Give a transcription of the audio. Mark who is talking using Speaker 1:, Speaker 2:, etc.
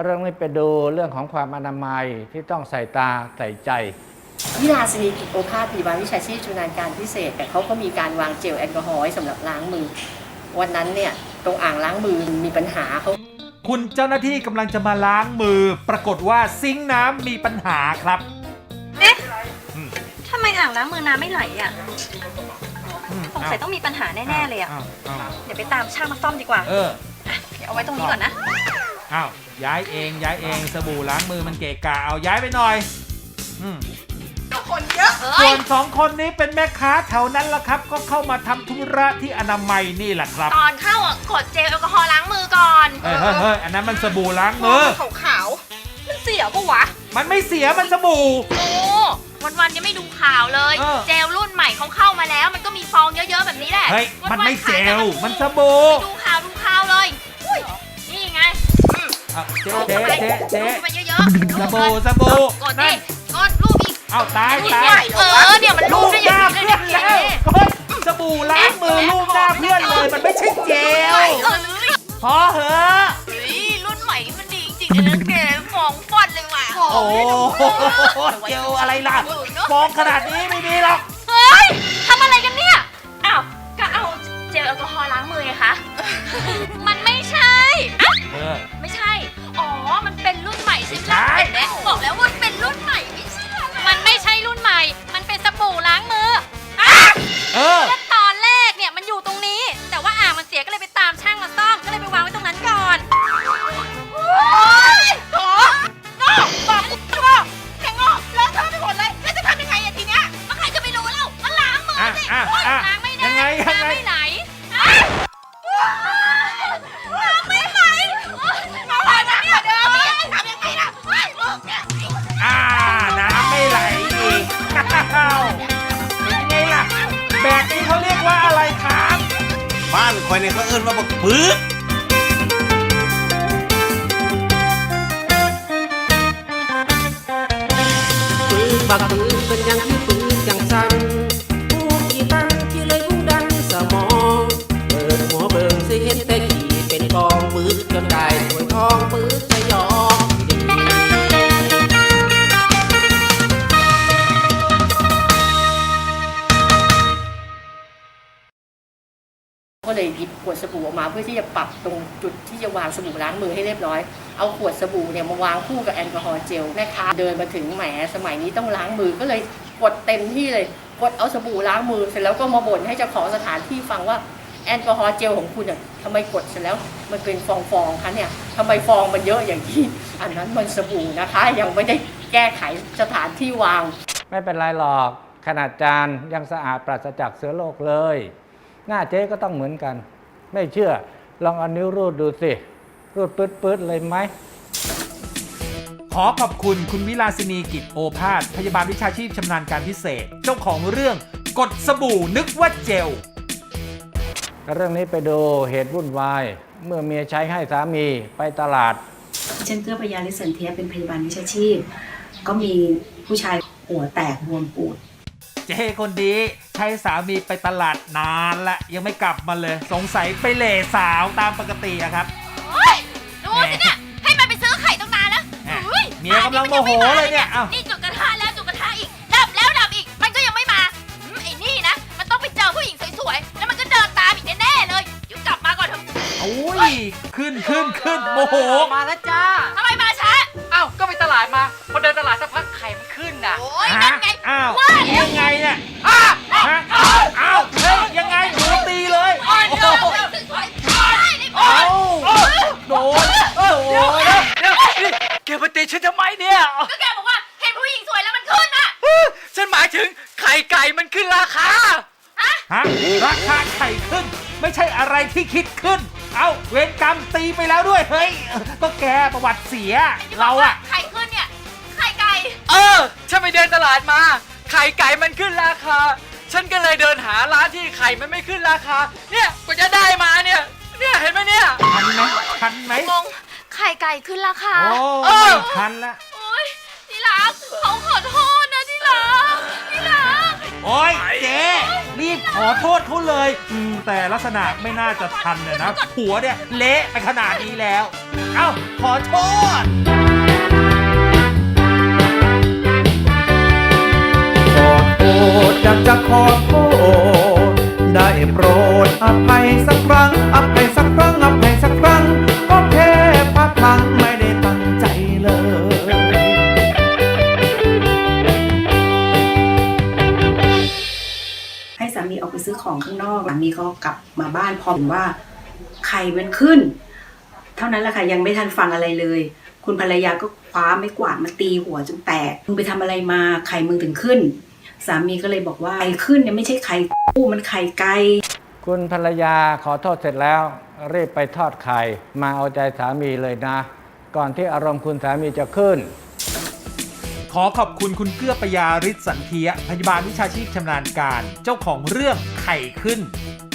Speaker 1: เรื่องนี้ไปดูเรื่องของความอนามัยที่ต้องใส่ตาใส่ใจ
Speaker 2: วิลาสินีกิจโอภาสพยาบาลวิชาชีพชำนาญการพิเศษแต่เขาก็มีการวางเจลแอลกอฮอล์ไว้สำหรับล้างมือวันนั้นเนี่ยตรงอ่างล้างมือมีปัญหาเขา
Speaker 3: คุณเจ้าหน้าที่กำลังจะมาล้างมือปรากฏว่าซิงค์น้ำมีปัญหาครับ
Speaker 4: เอ๊ะทำไมอ่างล้างมือน้ำไม่ไหลอ่ะสงสัยต้องมีปัญหาแน่ๆเลยอ่ะเดี๋ยวไปตามช่างมาซ่อมดีกว่าเดี๋ยวเอาไว้ตรงนี้ก่อนนะ
Speaker 3: อ้าวย้ายเองสบู่ล้างมือมันเกะกะเอาย้ายไปหน่อย
Speaker 4: คนเยอะ
Speaker 3: ส่วน2 คนนี้เป็นแม่ค้าแถวนั้นละครับก็เข้ามาทำธุระที่อนามัยนี่แหละครับ
Speaker 4: ตอนเข้าอ่ะกดเจลแอลกอฮอล์ล้างมือก่อน
Speaker 3: เฮ้ยอันนั้นมันสบู่ล้างมือ
Speaker 4: ขาวๆมันเสียปะวะ
Speaker 3: มันไม่เสียมันสบู่
Speaker 4: โอ้วันยังไม่ดูข่าวเลยเจลรุ่นใหม่เขาเข้ามาแล้วมันก็มีฟองเยอะๆแบบนี้แหละ
Speaker 3: เฮ้ยมันไม่เจลมันสบู่
Speaker 4: ดูข่าวเลยนี่ไง
Speaker 3: เจ๊
Speaker 4: ไปเยอะ
Speaker 3: สบู่
Speaker 4: กดดิกดรูปอีก
Speaker 3: เอาตาย
Speaker 4: เนี่ยมันรูปได้ยังไง
Speaker 3: แล้วสบู่ล้างมือรูปหน้าเพื่อนเลยมันไม่ใช่เจลพอเหอะ
Speaker 4: รุ่นใหม่มันดีจริงๆนะแกฟองฟอดเลยว่ะ
Speaker 3: โอ้เจลอะไรล่ะฟองขนาดนี้ไม่มีหรอก
Speaker 4: เฮ้ยทำอะไรกันเนี่ยอ้าวก็เอาเจลแอลกอฮอล์ล้างมือไงคะมันไม่ใช่ไม่ใช่อ๋อมันเป็นรุ่นใหม่ใช่ไหมเห็นไหมบอกแล้วว่าเป็นรุ่นใหม่ไม่ใช่มันไม่ใช่รุ่นใหม่มันเป็นสบู่ล้างมือแล้วตอนแรกเนี่ยมันอยู่ตรงนี้แต่ว่าอ่างมันเสียก็เลยไปตามช่างมาซ่อมก็เลยไปวางไว้ตรงนั้นก่อนโอ้ยโถ่บอกกูว่าแกงอกเลอะเทอะไปหมดเลยแล้วจะทำยังไงทีเนี้ยใครจะไปรู้แล้วมันล้างมือสิล้างไม่ได้ล้างไม่ไหลล้างไม่ไหลมาไหลนะเนี่ยเดิมทำยังไงล่ะลูกเนี่ย
Speaker 3: น้ำไม่ไหลอีกเป็นไงล่ะแบบนี้เขาเรียกว่าอะไรครับ
Speaker 5: บ้านคอยเนี่ยเขาเอิ้นว่าบักปื๊ด
Speaker 6: บักปืนเป็นยังที่ปืนจังสันผู้ขี่ตั้งที่เลยผู้ดันสมองเปิดหัวเบิ่งสิเห็นแต่ขี่เป็นกองปืนจนได้สวยทองปืนจะยอม
Speaker 2: ก็เลยหยิบขวดสบู่ออกมาเพื่อที่จะปรับตรงจุดที่จะวางสบู่ล้างมือให้เรียบร้อยเอาขวดสบู่เนี่ยมาวางคู่กับแอลกอฮอล์เจลแม่ค้าเดินมาถึงแหมสมัยนี้ต้องล้างมือก็เลยกดเต็มที่เลยกดเอาสบู่ล้างมือเสร็จแล้วก็มาบ่นให้เจ้าของสถานที่ฟังว่าแอลกอฮอล์เจลของคุณเนี่ยทำไมกดเสร็จแล้วมันเป็นฟองคะเนี่ยทำไมฟองมันเยอะอย่างที่อันนั้นมันสบู่นะคะยังไม่ได้แก้ไขสถานที่วาง
Speaker 1: ไม่เป็นไรหรอกขนาดจานยังสะอาดปราศจากเชื้อโรคเลยหน้าเจ๊ก็ต้องเหมือนกันไม่เชื่อลองเอานิ้วรูดดูสิรูดปื๊ดเลยไหม
Speaker 3: ขอขอบคุณคุณวิลาสินีกิจโอภาสพยาบาลวิชาชีพชำนาญการพิเศษเจ้าของเรื่องกดสบู่นึกว่าเจล
Speaker 1: เรื่องนี้ไปดูเหตุวุ่นวายเมื่อเมียใช้ให้สามีไปตลาด
Speaker 7: ฉันเกื้อพยาลิสันเทียเป็นพยาบาลวิชาชีพก็มีผู้ชายหัวแตกบวมปูด
Speaker 3: เจ้คนดีใช้สามีไปตลาดนานละยังไม่กลับมาเลยสงสัยไปเหล่สาวตามปกติอะครับ
Speaker 4: โอ้ยดูสิเนี่ยให้มันไปซื้อไข่ตั้งนานแล้ว
Speaker 3: เมียกำลังโมโหเลยเนี่ย
Speaker 4: นี่จุดกระทะแล้วจุดกระทะอีกดับแล้วดับอีกมันก็ยังไม่มาไอ้นี่นะมันต้องไปเจอผู้หญิงสวยๆแล้วมันก็เดินตามอีกแน่ๆเลยยุกลับมาก่อนเถอะ
Speaker 3: โอ้ยขึ้นโมโห
Speaker 8: มาแล้วจ้า
Speaker 4: ทำไมมาช้า
Speaker 8: ก็ไปตลาดมาพอเดินตลาดสักพักไข่มันขึ้นน่ะ
Speaker 4: โอ้ยนั่นไง
Speaker 3: ว่ายังไงเนี่ยยังไงหนูตีเลยโดน
Speaker 8: แกมาตีฉันทำไมเนี่ย
Speaker 4: ก็แกบอกว่าเห็นผู้หญิงสวยแล้วมันขึ้นอ่ะ
Speaker 8: ฉันหมายถึงไข่ไก่มันขึ้นราคา
Speaker 3: ราคาไข่ขึ้นไม่ใช่อะไรที่คิดขึ้นเอาเวรกรรมตีไปแล้วด้วยเฮ้ยก็แกประวัติเสียเราอะ
Speaker 4: ไข่ขึ้นเนี่ยไข่ไก่
Speaker 8: ฉันไปเดินตลาดมาไข่ไก่มันขึ้นราคาฉันก็เลยเดินหาร้านที่ไข่มันไม่ขึ้นราคาเนี่ยกว่าจะได้มาเนี่ยเห็นไหมเนี่ย
Speaker 3: ทันไหม
Speaker 4: งงไข่ไก่ขึ้นราคา
Speaker 3: ไม่ทันละ
Speaker 4: โอ้ยที่รักเขาขอโทษนะที่รัก
Speaker 3: โอ้ยเจ๊รีบขอโทษเขาเลยแต่ลักษณะไม่น่าจะทันนะผัวเนี่ยเละไปขนาดนี้แล้วเอ้าขอโทษ
Speaker 9: ขอโทษอยากจะขอโทษได้โปรดอภัยสักครั้งอภัยสักครั้งอภัยสักครั้งก็แค่พลาดพลั้งไม่ได้ตั้งใจเลย
Speaker 7: ให้สามีออกไปซื้อของข้างนอกสามีก็กลับมาบ้านพอเห็นว่าไข่มันขึ้น เท่านั้นแหละค่ะยังไม่ทันฟังอะไรเลย คุณภรรยาก็คว้าไม้กวาดมาตีหัวจนแตกมึงไปทำอะไรมาไข่มึงถึงขึ้น สามีก็เลยบอกว่าไข่ขึ้นเนี่ยไม่ใช่ไข่กู้มันไข่ไก่
Speaker 1: คุณภรรยาขอโทษเสร็จแล้วรีบไปทอดไข่มาเอาใจสามีเลยนะ ก่อนที่อารมณ์คุณสามีจะขึ้น
Speaker 3: ขอขอบคุณคุณเกื้อปยาฤทธิ์สันเทียพยาบาลวิชาชีพชำนาญการ เจ้าของเรื่องไข่ขึ้น